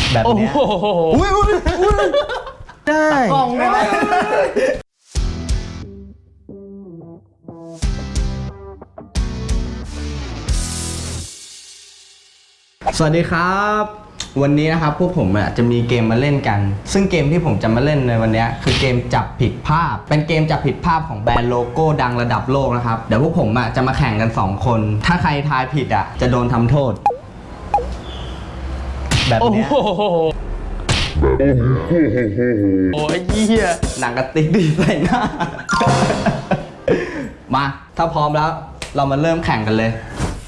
แบบเนี้ยอุ้ยได้กล่องได้ไหมสวัสดีครับวันนี้นะครับพวกผมจะมีเกมมาเล่นกันซึ่งเกมที่ผมจะมาเล่นในวันนี้คือเกมจับผิดภาพเป็นเกมจับผิดภาพของแบรนด์โลโก้ดังระดับโลกนะครับเดี๋ยวพวกผมจะมาแข่งกัน2คนถ้าใครทายผิดจะโดนทำโทษแบบนี้โอ้ยเหี้ยหนังกระติกดีใส่หน้า มาถ้าพร้อมแล้วเรามาเริ่มแข่งกันเลย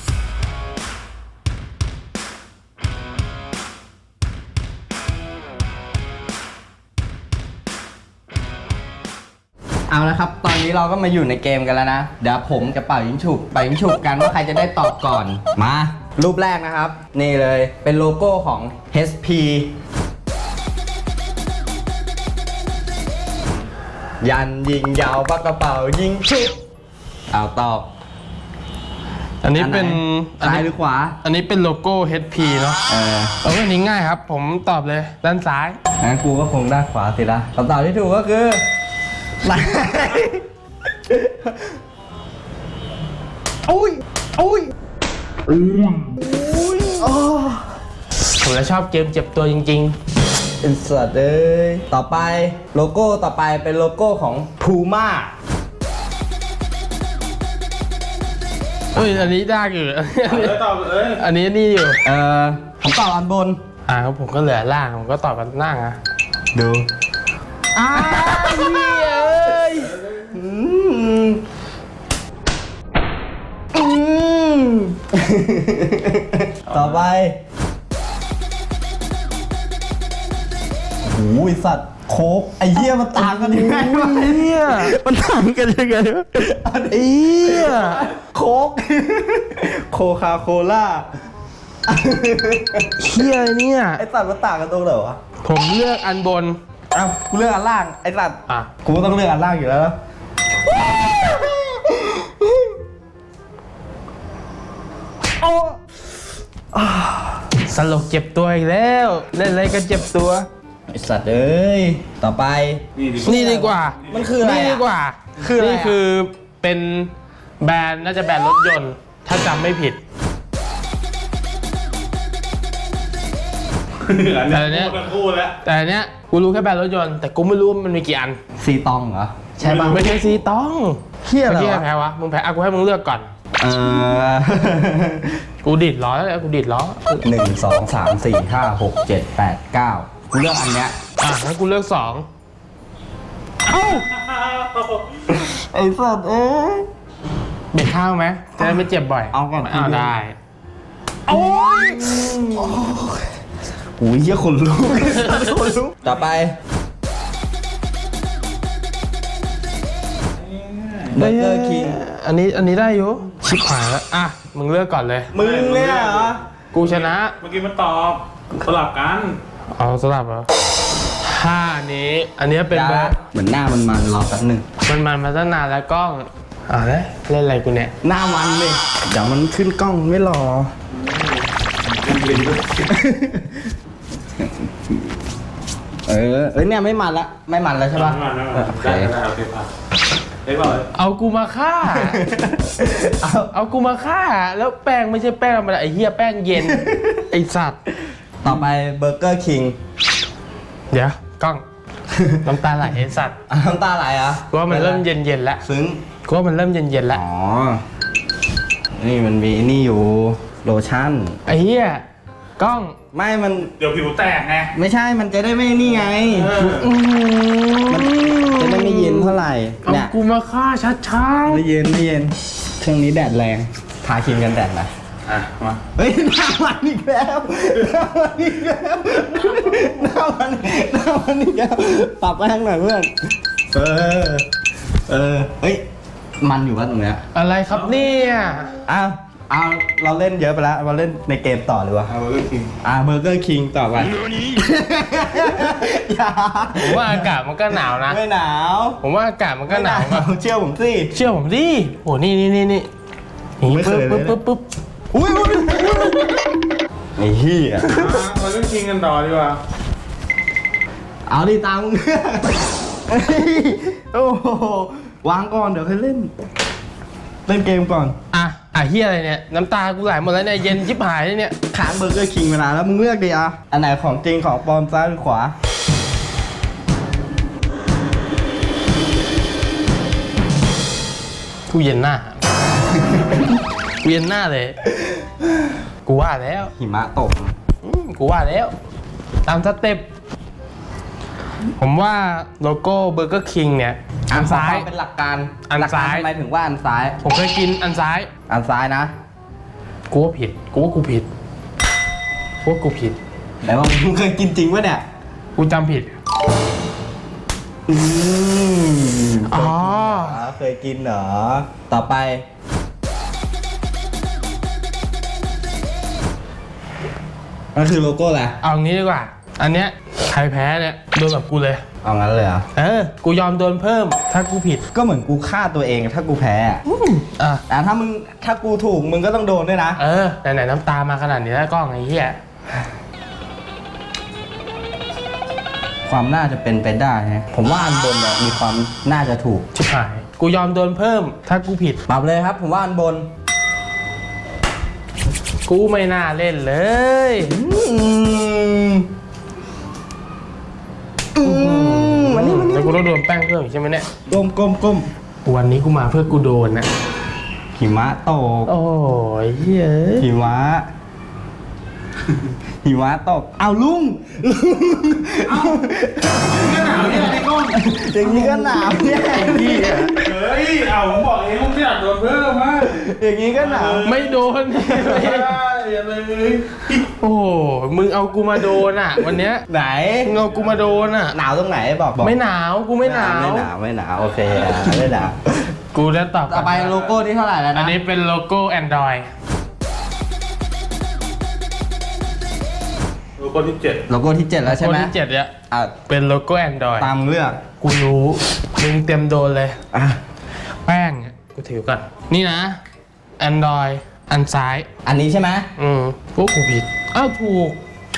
เอาละครับตอนนี้เราก็มาอยู่ในเกมกันแล้วนะเดี๋ยวผมจะเป่ายิงฉุบกันว่าใครจะได้ตอบก่อนมารูปแรกนะครับนี่เลยเป็นโลโก้ของ HP ยันยิงยาวปากกระเป๋ายิงฉุบเอาตอบอันนี้เป็นซ้ายหรือขวาอันนี้เป็นโลโก้ HP เนาะอันนี้ง่ายครับผมตอบเลยด้านซ้ายงั้นกูก็คงด้านขวาสิละคำตอบที่ถูกก็คืออุ้ยผมจะชอบเกมเจ็บตัวจริงๆเป็นสัตว์เลยต่อไปโลโก้ต่อไปเป็นโลโก้ของ Puma อันนี้ได้อยู่อันนี้นี่อยู่ผมตอบอันบนครับผมก็เหลือล่างผมก็ตอบกันล่างดูต่อไปโอ้ยสัตว์โค้กไอ้เหี้ยมันต่างกันยังไงวะเนี่ยมันต่างกันยังไงวะไอ้เหี้ยโค้กโคคาโคล่าเหี้ยเนี่ยไอ้สัตว์มันต่างกันตรงไหนวะผมเลือกอันบนกูเลือกอันล่างไอ้สัตว์กูต้องเลือกอันล่างอยู่แล้วสลบเจ็บตัวอีกแล้วเล่นอะไรก็เจ็บตัวไอสัตว์เอ้ยต่อไปนี่ดีกว่ามันคืออะไรนี่ดีกว่านี่คือเป็นแบรนด์น่าจะแบรนด์รถยนต์ถ้าจำไม่ผิดแต่อันเนี้ยกูรู้แค่แบรนด์รถยนต์แต่กูไม่รู้มันมีกี่อันซีตองเหรอใช่ป่ะไม่ใช่ซีตองเฮียอะไรแพ้วะมึงแพ้กูให้มึงเลือกก่อนกูดิดล้อแล้วกูดิดล้อ 1 2 3 4 5 6 7 8 9กูเลือกอันเนี้ยงั้นกูเลือก2 ไอ้สัตว์เบ็ดข้าวไหมจะได้ไม่เจ็บบ่อยเอาก่อนเอาได้โอ้ยโอ้ยเหี้ยคนลุกต่อไปเบอร์เกอร์คิงอันนี้ได้อยู่ชิบหายแล้วมึงเลือกก่อนเลยมึงเนี่ยเหรอกูชนะเมื่อกี้มันตอบสลับกันสลับเหรออันนี้เป็นแบบเหมือนหน้ามันรอแป๊บนึงมันมาตั้งนานแล้วกล้องเล่นอะไรกูเนี่ยหน้ามันเลยเดี๋ยวมันขึ้นกล้องไม่รอเนี่ยไม่มันแล้วใช่ป่ะโอเคเอากูมาฆ่าเอากูมาฆ่าแล้วแป้งไม่ใช่แป้งธรรมดาไอ้เหี้ยแป้งเย็นไอ้สัตว์ต่อไปเบอร์เกอร์คิงเดี๋ยวกล้องน้ำตาไหลไอ้สัตว์น้ำตาไหลกูว่ามันเริ่มเย็นแล้วซึ้งกูว่ามันเริ่มเย็นแล้วนี่มันมีนี่อยู่โลชั่นไอ้เหี้ยกล้องไม่มันเดี๋ยวผิวแตกไงไม่ใช่มันจะได้ไม่นี่ไงมันจะได้ไม่เย็นเท่าไหร่เนี่ยกูมาฆ่าชัดๆไม่เย็นช่วงนี้แดดแรงทาครีมกันแดดนะมาเฮ้ยหน้ามันอีกแล้วหน้ามันอีกแล้วปรับไปทางไหนเพื่อนเฮ้ยมันอยู่ป่ะตรงเนี้ยอะไรครับเนี่ยเอาเราเล่นเยอะไปแล้วมาเล่นในเกมต่อเลยวะเบอร์เกอร์คิงเบอร์เกอร์คิงต่อไปผมว่าอากาศมันก็หนาวนะไม่หนาวผมว่าอากาศมันก็หนาวเชื่อผมสิโหนี่ไม่เคยเลยปุ๊บอุ้ยไอ้เหี้ยเราเล่นชิงกันต่อดีกว่าเอาดิตามมึงเฮ้ยโอ้โหวางก่อนเดี๋ยวค่อยเล่น เล่นเกมก่อนเฮียอะไรเนี่ยน้ำตากูไหลหมดแล้วเนี่ยเย็นชิบหายเลยเนี่ยค้างเบอร์เกอร์คิงมานานแล้วมึงเลือกดิอ่ะอันไหนของจริงของปลอมซ้ายหรือขวากูเย็นหน้า กูเย็นหน้าเลย กูว่าแล้วหิมะตกกูว่าแล้ว ตามสเต็ปผมว่าโลโก้เบอร์เกอร์คิงเนี่ยอันซ้ายเป็นหลักการอันหลักกรซ้ายทำไมถึงว่าอันซ้ายผมเคยกินอันซ้ายอันซ้ายนะกูว่าผิด กูว่ากูผิด กูว่ากูผิดแต่ว่ามึงเคยกินจริงปะเนี่ยกูจำผิดอืมอ๋อเคยกินเหรอ ต่อไป นั่นคือโลโก้แหละเอางี้ดีกว่า อันเนี้ยใครแพ้เนี่ยโดนแบบกูเลยเอางั้นเลยเหรอกูยอมโดนเพิ่ม ถ้ากูผิดก็เหมือนกูฆ่าตัวเองถ้ากูแพ้อะอ่ะแต่ถ้ากูถูกมึงก็ต้องโดนด้วยนะไหนๆน้ำตามาขนาดนี้แล้วกล้องไอ้เหี้ยความน่าจะเป็นไปได้นะผมว่าอันบนเนี่ยมีความน่าจะถูกชิบหาย กูยอมโดนเพิ่ม ถ้ากูผิดปรับเลยครับ ผมว่าอันบนกูไม่น่าเล่นเลยมันนี่แล้วกูต้องโดนแป้งเพิ่มอีกใช่ไหมเนี่ยก้มวันนี้กูมาเพื่อกูโดนนะหิมะตกโอ้ยเฮ้ยหิมะ หิมะตก เอาลุงนี่หนาวเนี่ยไอ้ก้อนอย่างนี้ก็หนาวเนี่ยเฮ้ย เอาผมบอกเองผมไม่อยากโดนเพิ่มมากอย่างนี้ก็หนาวไม่โดนไม่ได้อย่าเลยโอ้โหมึงเอากูมาโดนอ่ะ วันเนี้ยไหนมึงเอากูมาโดนอ่ะหนาวตรงไหนบอกไม่หนาว กูไม่หนาวไม่หนาวโอเคไม่หนาวกูจะตอบต่อไปโลโก้ที่เท่าไหร่แล้วนะอันนี้เป็นโลโก้ Android โลโก้ที่ 7 โลโก้ที่ 7 แล้วใช่ไหมโลโก้ที่7เนี่ยอ่ะเป็นโลโก้ Android ตามเลือกกูรู้ มึงเต็มโดนเลยอ่ะแป้งเนี่ยกูถือก่อน นี่นะ Android อันซ้ายอันนี้ใช่ไหมพวกกูผิด อ้าวถูก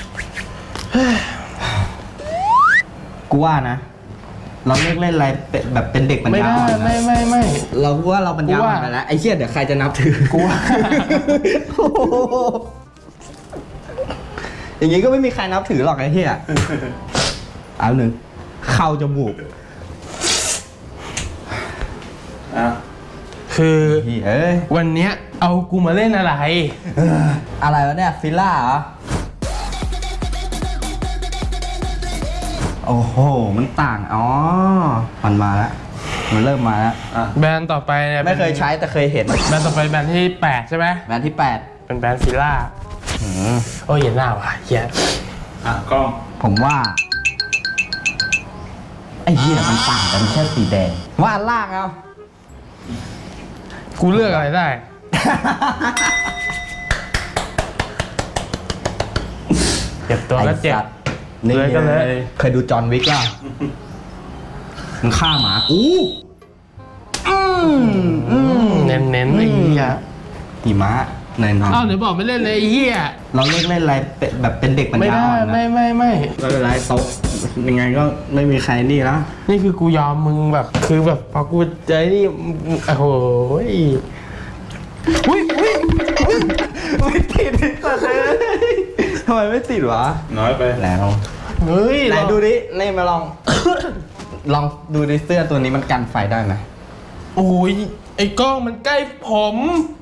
กูว่านะ เราเลิกเล่นอะไรแบบเป็นเด็กปัญไม่ญาได้อ่อนนะไม่เราว่าเราปัญญาอ่อนไปแล้วไอ้เชี่ยเดี๋ยวใครจะนับถือกูว่าโอ้โหอย่างงี้ก็ไม่มีใครนับถือหรอกไอ้เหี้ยเอาหนึ่งเข้าจมูกอ่ะคือเฮ้ยวันเนี้ยเอากูมาเล่นอะไรอะไรวะเนี่ยฟิลล่าเหรอโอ้โหมันต่างอ๋อมันมาแล้วมันเริ่มมาแล้วแบรนด์ต่อไปเนี่ยไม่เคยใช้แต่เคยเห็นแบรนด์ต่อไปแบรนด์ที่ 8 ใช่ไหมแบรนด์ที่เป็นแบรนด์ฟิล่า 8 โอ้ยเห็นหน้าว่ะเหี้ยกล้องผมว่าไอ้เหี้ยมันต่างกันแค่สีแดงว่าอันล่างเอากูเลือกอะไรได้ เจ็บตัวก็เจ็บไอ้สัตว์นี่เลยก็เลยเคยดูจอห์นวิกป่ะมึงฆ่าหมากูเน้นไอ้เหี้ยหิมะหน่อยอ้าวเดี๋ยวบอกไม่เล่นเลยไอ้เหี้ยๆเราเลิกเล่นอะไรแบบเป็นเด็กปัญไม่ญาได้อ่อนนะไม่ไม่เป็นไรโต๊ะยังไงก็ไม่มีใครนี่แล้วนี่คือกูยอมมึงแบบคือแบบพอกูเจอนี่โอ้โหอุ้ยไม่ติดสัตว์เลยทำไมไม่ติดวะน้อยไปไหนลองเฮ้ยไหนดูดินี่มาลอง ลองดูดิเสื้อตัวนี้มันกันไฟได้ไหมโอ้ยไอ้กล้องมันใกล้ผม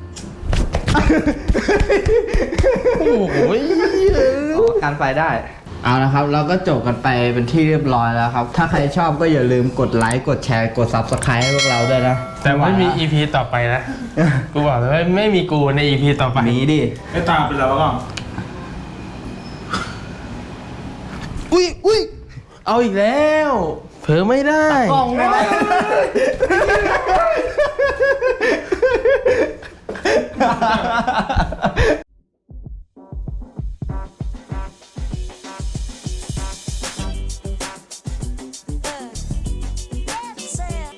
โอ้โหการไฟได้ เอาละครับ เราก็จบกันไปเป็นที่เรียบร้อยแล้วครับ ถ้าใครชอบก็อย่าลืมกดไลค์ กดแชร์ กด Subscribe ให้พวกเราด้วยนะแต่ไม่มี EP ต่อไปนะ กูบอกเลยว่าไม่มีกูใน EP ต่อไปมีดิไม่ตามไปแล้วกล้องอุ้ยเอาอีกแล้ว เผลอไม่ได้กล้องได้ไหม